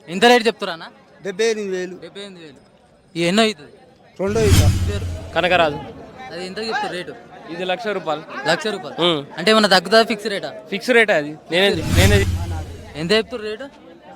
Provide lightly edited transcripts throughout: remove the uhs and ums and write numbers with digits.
ఎంత రేట్ చెప్తారా? 78,000. 78,000. ఎన్నో అవుతుంది? రెండో ఇక పేరు కనకరాజు. అది ఎంత చెప్తారు రేటు? ఇది ₹1,00,000. ₹1,00,000. అంటే ఏమన్నా తగ్గుతుందా? ఫిక్స్ రేటా? ఫిక్స్ రేట్ అది. నేనే ఎంత చెప్తారు రేటు?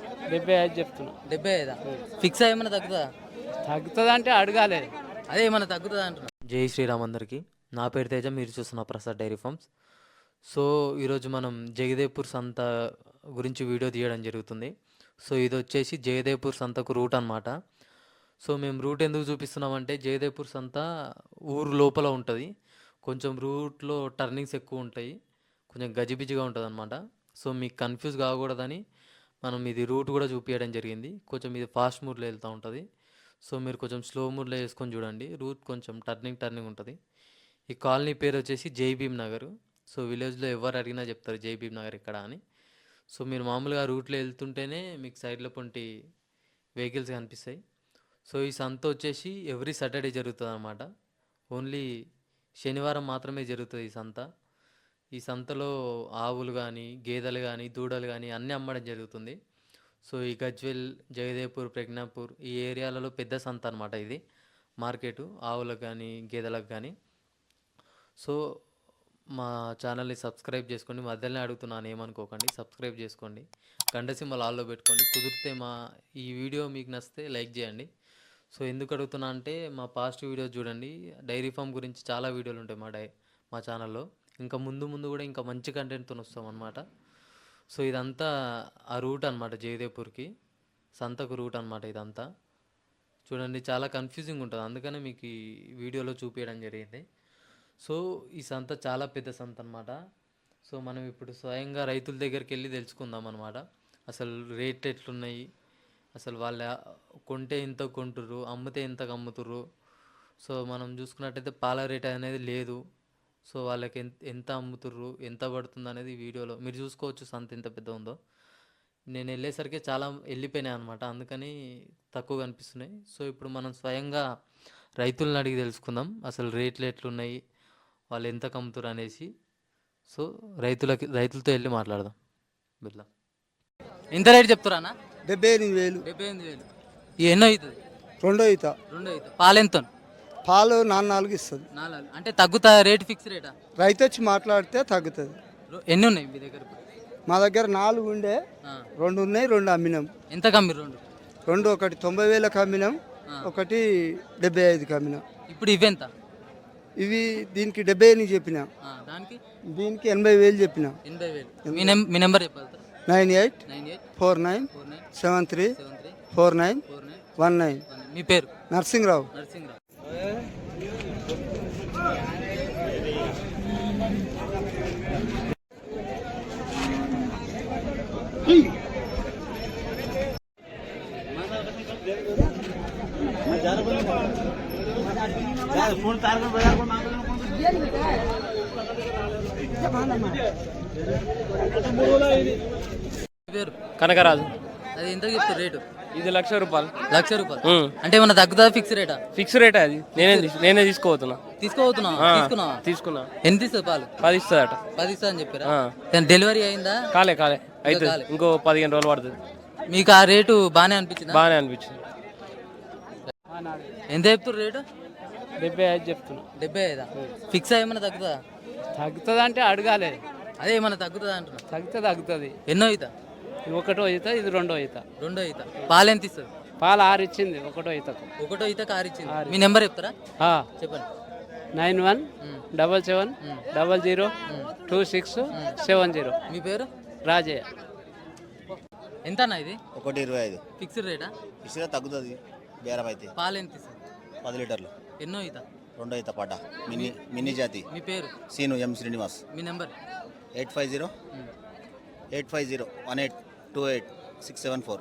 75 చెప్తున్నా. 75. ఫిక్స్ ఏమన్నా తగ్గుతుందా? తగ్గుతుంది అంటే అడగాలి. అదే ఏమన్నా తగ్గుతుందా అంటున్నా. జై శ్రీరామ్ అందరికీ. నా పేరు తేజ, మీరు చూస్తున్న ప్రసాద్ డైరీ ఫార్మ్స్. సో ఈరోజు మనం జగదేవ్పూర్ సంత గురించి వీడియో తీయడం జరుగుతుంది. సో ఇది వచ్చేసి జగదేవ్పూర్ సంతకు రూట్ అనమాట. సో మేము రూట్ ఎందుకు చూపిస్తున్నామంటే జగదేవ్పూర్ సంత ఊరు లోపల ఉంటుంది. కొంచెం రూట్లో టర్నింగ్స్ ఎక్కువ ఉంటాయి, కొంచెం గజిబిజిగా ఉంటుంది అనమాట. సో మీకు కన్ఫ్యూజ్ కాకూడదని మనం ఇది రూట్ కూడా చూపించడం జరిగింది. కొంచెం ఇది ఫాస్ట్ మూడ్లో వెళ్తూ ఉంటుంది. సో మీరు కొంచెం స్లో మూడ్లో వేసుకొని చూడండి. రూట్ కొంచెం టర్నింగ్ ఉంటుంది. ఈ కాలనీ పేరు వచ్చేసి జై భీమ్ నగర్. సో విలేజ్లో ఎవరు అడిగినా చెప్తారు జై భీమ్ నగర్ ఇక్కడ అని. సో మీరు మామూలుగా రూట్లో వెళ్తుంటేనే మీకు సైడ్లో పొంటి వెహికల్స్ కనిపిస్తాయి. సో ఈ సంత వచ్చేసి ఎవ్రీ సాటర్డే జరుగుతుంది అన్నమాట. ఓన్లీ శనివారం మాత్రమే జరుగుతుంది ఈ సంత. ఈ సంతలో ఆవులు కానీ, గేదెలు కానీ, దూడలు కానీ అన్నీ అమ్మడం జరుగుతుంది. సో ఈ గజ్వెల్, జగదేవ్పూర్, ప్రజ్ఞాపూర్ ఈ ఏరియాలలో పెద్ద సంత అనమాట ఇది మార్కెటు, ఆవులకు కానీ గేదెలకు కానీ. సో మా ఛానల్ని సబ్స్క్రైబ్ చేసుకోండి. మధ్యలోనే అడుగుతున్నాను, ఏమనుకోకండి. సబ్స్క్రైబ్ చేసుకోండి, గంట సింబల్ ఆల్లో పెట్టుకోండి. కుదిరితే ఈ వీడియో మీకు నచ్చితే లైక్ చేయండి. సో ఎందుకు అడుగుతున్నా అంటే మా పాస్ట్ వీడియోస్ చూడండి. డైరీ ఫామ్ గురించి చాలా వీడియోలు ఉంటాయి మా ఛానల్లో. ఇంకా ముందు కూడా ఇంకా మంచి కంటెంట్తో వస్తాం అనమాట. సో ఇదంతా ఆ రూట్ అనమాట, జగదేవ్పూర్కి సంతకు రూట్ అనమాట ఇదంతా. చూడండి, చాలా కన్ఫ్యూజింగ్ ఉంటుంది, అందుకనే మీకు ఈ వీడియోలో చూపించడం జరిగింది. సో ఈ సంత చాలా పెద్ద సంత అనమాట. సో మనం ఇప్పుడు స్వయంగా రైతుల దగ్గరికి వెళ్ళి తెలుసుకుందాం అనమాట. అసలు రేట్ ఎట్లున్నాయి, అసలు వాళ్ళ కొంటే ఎంత కొంటుర్రు, అమ్మితే ఎంతకు అమ్ముతుర్రు. సో మనం చూసుకున్నట్టయితే పాల రేట్ అనేది లేదు. సో వాళ్ళకి ఎంత అమ్ముతుర్రు, ఎంత పడుతుంది అనేది వీడియోలో మీరు చూసుకోవచ్చు. సంత ఎంత పెద్ద ఉందో. నేను వెళ్ళేసరికి చాలా వెళ్ళిపోయినాయి అనమాట, అందుకని తక్కువ కనిపిస్తున్నాయి. సో ఇప్పుడు మనం స్వయంగా రైతులను అడిగి తెలుసుకుందాం అసలు రేట్లు ఎట్లున్నాయి, వాళ్ళు ఎంత కమ్ముతారు అనేసి. సో రైతులతో వెళ్ళి మాట్లాడదాం. బిర్లా ఎంత రేట్ చెప్తారా? 78,000. 78,000. ఎన్నో అవుతుంది? రెండో ఇత పాలు ఎంత? పాలు 4 ఇస్తుంది. 4. అంటే తగ్గుతా రేట్? ఫిక్స్ రేటా? రైతు వచ్చి మాట్లాడితే తగ్గుతుంది. ఎన్ని ఉన్నాయి మీ దగ్గర? మా దగ్గర 4 ఉండే, 2 ఉన్నాయి, 2 అమ్మినాం. ఎంత కమ్మి? రెండు ఒకటి 90,000 అమ్మినాం, ఒకటి 75,000 అమ్మినాం. ఇప్పుడు ఇవెంత? ఇవి దీనికి 70,000 చెప్పిన, దీనికి 80,000 చెప్పిన. 80,000. మీ నెంబర్ చెప్పాలి. 9849734919. మీ పేరు? నరసింహరావు. పేరు? కనకరాజు. అది ఎంత చెప్తారు రేటు? ఇది ₹1,00,000. ₹1,00,000. అంటే ఏమన్నా తగ్గుతుందా? ఫిక్స్ రేటా? ఫిక్స్ రేట్ అది. నేనే తీసుకోబోతున్నా. తీసుకున్నా. ఎంత ఇస్తుంది పాలు? 10 ఇస్తుందట. 10 ఇస్తా అని చెప్పారా? డెలివరీ అయిందా? కాలే అయితే ఇంకో 15 రోజులు పడుతుంది. మీకు ఆ రేటు బాగానే అనిపించింది? బాగానే అనిపించింది. ఎంత చెప్తారు రేటు? 75 చెప్తున్నా. 75. ఫిక్స్ ఏమన్నా తగ్గుతుందా? తగ్గుతుంది అంటే అడగాలి. అదే ఏమన్నా తగ్గుతుందా అంటున్నా. తగ్గుతుంది. ఎన్నో అవుతా? ఇది 1వ ఈత, ఇది 2వ ఈత. పాలు ఎంత ఇస్తుంది? పాలు 6 ఇచ్చింది 1వ ఈతకు. 1వ ఈతకు 6 ఇచ్చింది. మీ నెంబర్ చెప్తారా? చెప్పండి. 9177002670. మీ పేరు? రాజయ్య. ఎంత అన్న ఇది? 1.25. ఫిక్స్డ్ రేటా? ఫిక్స్గా తగ్గుతుంది బేరం అయితే. పాలు ఎంత ఇస్తుంది? 10 లీటర్లు. ఎన్నో ఈత? 2వ ఈత పడ్డ మినీ జాతి. మీ పేరు? సీను ఎం శ్రీనివాస్. మీ నెంబర్? 8508528674.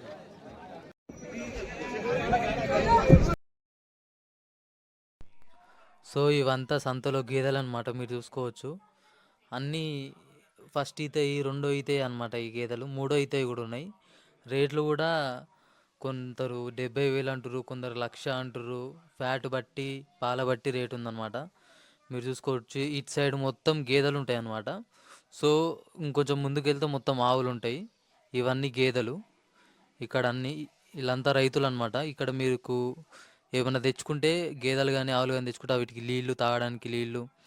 సో ఇవంతా సంతలో గేదెలు అనమాట, మీరు చూసుకోవచ్చు. అన్నీ ఫస్ట్ ఈతయి, 2వ ఈతయి అనమాట ఈ గేదెలు. 3వ ఈతయి కూడా ఉన్నాయి. రేట్లు కూడా కొందరు 70,000 అంటారు, కొందరు 1,00,000 అంటారు. ఫ్యాట్ బట్టి, పాల బట్టి రేటు ఉందన్నమాట. మీరు చూసుకోవచ్చు. ఇటు సైడ్ మొత్తం గేదెలు ఉంటాయి అన్నమాట. సో ఇంకొంచెం ముందుకు వెళ్తే మొత్తం ఆవులు ఉంటాయి. ఇవన్నీ గేదెలు. ఇక్కడ అన్ని వీళ్ళంతా రైతులు అనమాట. ఇక్కడ మీకు ఏమైనా తెచ్చుకుంటే గేదెలు కానీ ఆవులు కానీ తెచ్చుకుంటే వీటికి నీళ్లు తాగడానికి నీళ్లు